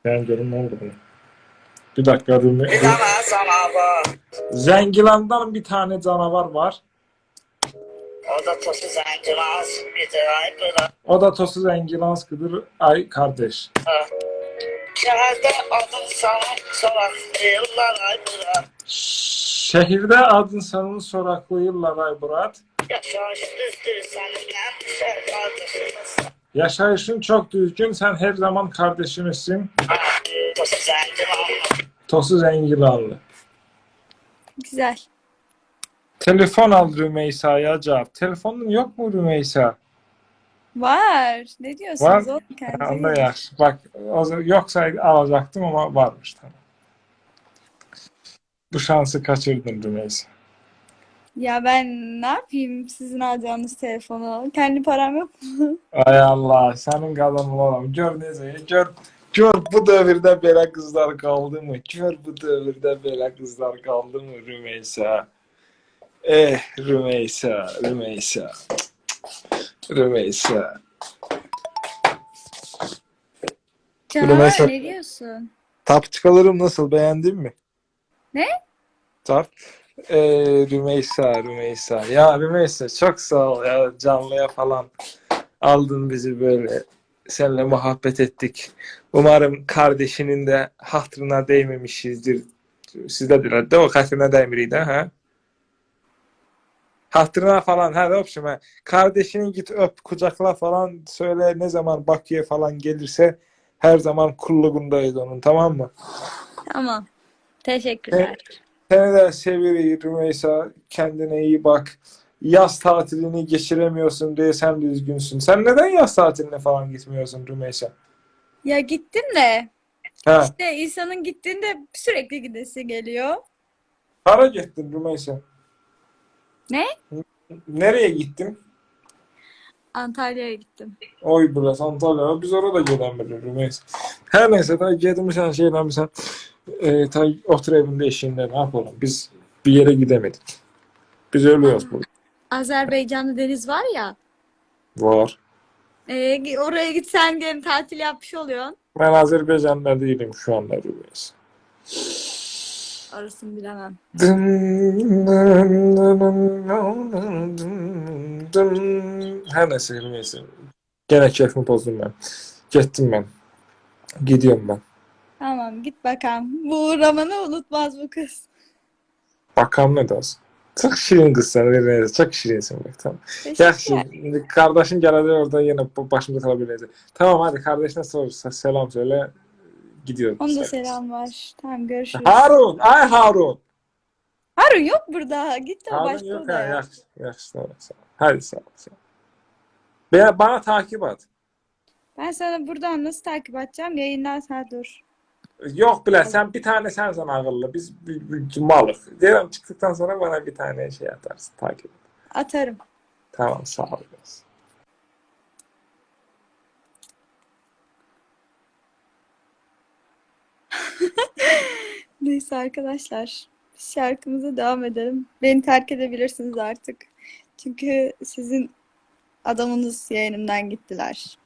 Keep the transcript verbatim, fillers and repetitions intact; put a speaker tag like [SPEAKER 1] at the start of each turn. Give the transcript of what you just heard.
[SPEAKER 1] Ben görün ne oldu buna. Bir dakika dur.
[SPEAKER 2] Bir tane canavar.
[SPEAKER 1] Zengilan'dan bir tane canavar var.
[SPEAKER 2] O da tosu zencilaz. Bir de ay bırak.
[SPEAKER 1] O da Tosu Zengilanskıdır. Ay kardeş.
[SPEAKER 2] Şehirde adın sana soraklayırlar ay bırak.
[SPEAKER 1] Şehirde adın sanın soraklayırlar ay Murat.
[SPEAKER 2] Yaşayış düzdür seninle düşer kardeşimiz.
[SPEAKER 1] Yaşayışın çok düzgün. Sen her zaman kardeşimizsin.
[SPEAKER 2] Tosu zencilaz.
[SPEAKER 1] Tosu Zengilanlı.
[SPEAKER 3] Güzel.
[SPEAKER 1] Telefon al Rümeysa'ya cevap. Telefonun yok mu Rümeysa?
[SPEAKER 3] Var. Ne diyorsunuz
[SPEAKER 1] Var.
[SPEAKER 3] oğlum kendinize
[SPEAKER 1] Anda
[SPEAKER 3] gelin.
[SPEAKER 1] yaş. Bak o zaman- yoksa alacaktım ama varmış tamam. Bu şansı kaçırdın Rümeysa.
[SPEAKER 3] Ya ben ne yapayım sizin alacağınız telefonu? Kendi param yok mu?
[SPEAKER 1] Ay Allah senin kadın olamam. Gör neyse gör. Gör bu devirde böyle kızlar kaldı mı? Gör bu devirde böyle kızlar kaldı mı Rümeysa? Eh Rümeysa, Rümeysa, Rümeysa.
[SPEAKER 3] Canavar
[SPEAKER 1] Rümeysa.
[SPEAKER 3] ne diyorsun?
[SPEAKER 1] Tapçıkalarım nasıl? Beğendin mi?
[SPEAKER 3] Ne?
[SPEAKER 1] Tap. Ee, Rümeysa, Rümeysa. Ya Rümeysa çok sağ ol ya. Canlıya falan aldın bizi böyle. Seninle muhabbet ettik. Umarım kardeşinin de hatırına değmemişizdir. Sizde de o hatırına değmiriydi ha? Hatırına falan ha öpüşüm ha. Kardeşini git öp kucakla falan söyle ne zaman Bakü'ye falan gelirse her zaman kulluğundayız onun tamam mı?
[SPEAKER 3] Tamam. Teşekkürler.
[SPEAKER 1] Seni de seviyorum Rümeysa. Kendine iyi bak. Yaz tatilini geçiremiyorsun diye sen de üzgünsün. Sen neden yaz tatiline falan gitmiyorsun Rümeysa?
[SPEAKER 3] Ya gittim de
[SPEAKER 1] Ha,
[SPEAKER 3] işte insanın gittiğinde sürekli gidesi geliyor.
[SPEAKER 1] para gittin Rümeysa.
[SPEAKER 3] Ne?
[SPEAKER 1] Nereye gittin?
[SPEAKER 3] Antalya'ya gittim.
[SPEAKER 1] Oy burası Antalya. Biz orada gidemedik Rümeysa. Her neyse ta gitmişsen şeylemişsen e, ta otur evinde eşiğinde ne yapalım? Biz bir yere gidemedik. Biz ölüyoruz burada.
[SPEAKER 3] Azerbaycan'da deniz var ya.
[SPEAKER 1] Var.
[SPEAKER 3] E, oraya gitsen gene tatil yapmış oluyorsun.
[SPEAKER 1] Ben Azerbaycan'da değilim şu anda Rümeysa.
[SPEAKER 3] Orasını bilemem.
[SPEAKER 1] Her neyse neyse. Gene keyfimi bozdum ben. Gittim ben. Gidiyorum ben.
[SPEAKER 3] Tamam git bakalım. Bu uğramanı unutmaz bu kız.
[SPEAKER 1] Bakalım ne dersin. Çok şirin kız sen. Neyse, çok şirinsin bak tamam. Yaxşı.
[SPEAKER 3] Teşekkürler.
[SPEAKER 1] Kardeşin geldi orada yine başımda kalabilir. Tamam hadi kardeşine sor. Selam söyle. Gidiyorum.
[SPEAKER 3] Onun da selam var. Tamam görüşürüz.
[SPEAKER 1] Harun. Ay Harun.
[SPEAKER 3] Harun yok burada. Gitti o
[SPEAKER 1] Harun
[SPEAKER 3] başka
[SPEAKER 1] yok ha.
[SPEAKER 3] odaya.
[SPEAKER 1] Yaxşı. Yaxşı. Tamam. Sağ ol. Hadi sağ ol. Sağ ol. Bana, bana takip et.
[SPEAKER 3] Ben sana buradan nasıl takip edeceğim? Yayından sen dur.
[SPEAKER 1] Yok bile sen bir tane sensen akıllı. Biz bir, bir malıq. Diyelim çıktıktan sonra bana bir tane şey atarsın. Takip et.
[SPEAKER 3] Atarım.
[SPEAKER 1] Tamam sağ ol.
[SPEAKER 3] Neyse arkadaşlar. Biz şarkımıza devam edelim. Beni terk edebilirsiniz artık. Çünkü sizin adamınız yayınımdan gittiler.